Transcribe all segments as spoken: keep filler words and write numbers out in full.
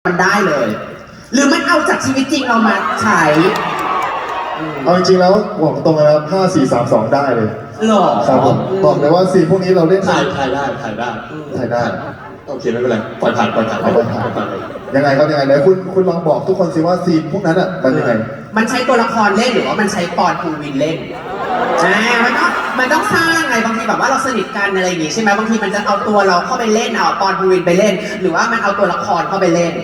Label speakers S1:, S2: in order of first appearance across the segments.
S1: มันได้เลยหรือมันเอาจากชีวิตจริงเรามาใช้
S2: เอาจริงๆแล้วบอกตรงเลยครับห้า สี่ สาม สองได้เลย
S1: หรอ
S2: ครับผมบอกเลยว่าซีนพวกนี้เราเล่น
S3: ถ่ายถ่ายได้ถ่ายได้
S2: ถ่ายได้
S3: โอเคไม่เป็นไรปล่อยผ่านปล่อยผ่าน
S2: เอาไปถ่าย
S3: ผ่านเลย
S2: ยังไงครับยังไงไหนคุณคุณลองบอกทุกคนสิว่าซีนพวกนั้นอ่ะมันยังไง
S1: มันใช้ตัวละครเล่นหรือว่ามันใช้ปอนภูวินเล่นอ่ามันต้องมันต้องสร้างไงบางทีแบบว่าเราสนิทกันอะไรอย่างงี้ใช่ไหมบางทีมันจะเอาตัวเราเข้าไปเล่นเอาปอนภูวินไปเล่น หรือว่ามันเอาตัวละครเข้าไปเล่น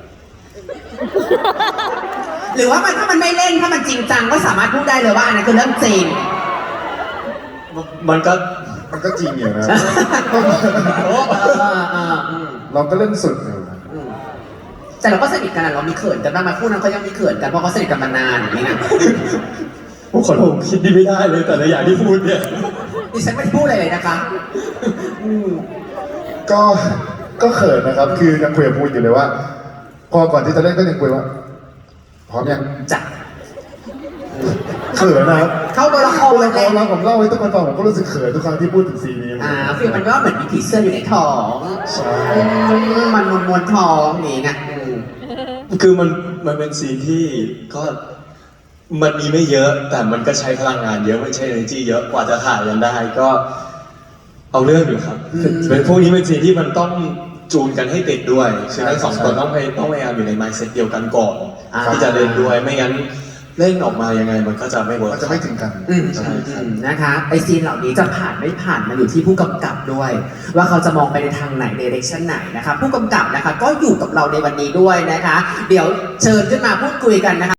S1: หรือว่ามันถ้ามันไม่เล่นถ้ามันจริงจังก็สามารถพูดได้เลยว่าอันนั้นคือเรื่องจริง
S3: มันก็
S2: มันก็จริงอยู่นะ
S1: เออเออเอออืม
S2: เราก็เล่นสุดอยู่
S1: อืมแต่เราก็สนิทกันอะเรามีเขินกันบ้างไหมคู่นั้นเขายังมีเขินกันเพราะเขาสนิทกันมานานอย่างนี้นะ
S3: พวกคนผมคิดดีไม่ได้เลยแต่ละอย่างที่พูดเนี่ย
S1: ดิฉันไม่ได้พูดอะไรเลยนะคะอืม
S2: ก็ก็เขินนะครับ คือยังคุยกับพูดอยู่เลยว่า พอก่อนที่จะเล่นก็ยังคุยว่าพร้อมยัง
S1: จ้ะ
S2: เขินนะครับ
S1: เข้าตัวละคร
S2: ตัวละค
S1: เล
S2: ร
S1: ย
S2: เราผมเล่าให้ทุกคนฟังผมก็รู้สึกเขินทุกครั้งที่พูดถึงซีนนี้
S1: อ่าฟีลมันก็เหมือนมีผีเสื้ออยู่ในท้อง
S2: ใช่
S1: อืมมันมวนมวนๆท้องนี่ไงอืม
S3: คือมันมันเป็นซีนที่ก็มันมีไม่เยอะ แต่มันก็ใช้พลังงานเยอะไม่ใช่ energy เยอะกว่าจะถ่ายกันได้ก็ เอาเรื่องอยู่ครับเป็นพวกนี้เป็นซีนที่มันต้องจูนกันให้ติดด้วยคือทั้งสองคนต้องพยต้องพยายามอยู่ใน mindset เดียวกันก่อนที่จะเล่นด้วยไม่งั้นเล่นออกมายังไงมันก็จะไม่เวิร์ก
S2: มันจะไม่ถึงกัน
S1: อืม
S3: ใช่ครับ
S1: อืมนะคะไอซีนเหล่านี้จะผ่านไม่ผ่านมันอยู่ที่ผู้กำกับด้วย ว่าเขาจะมองไปในทางไหนเดเรคชั่นไหนนะคะผู้กำกับนะคะก็อยู่กับเราในวันนี้ด้วยนะคะ เดี๋ยวเชิญขึ้นมาพูดคุยกันนะคะ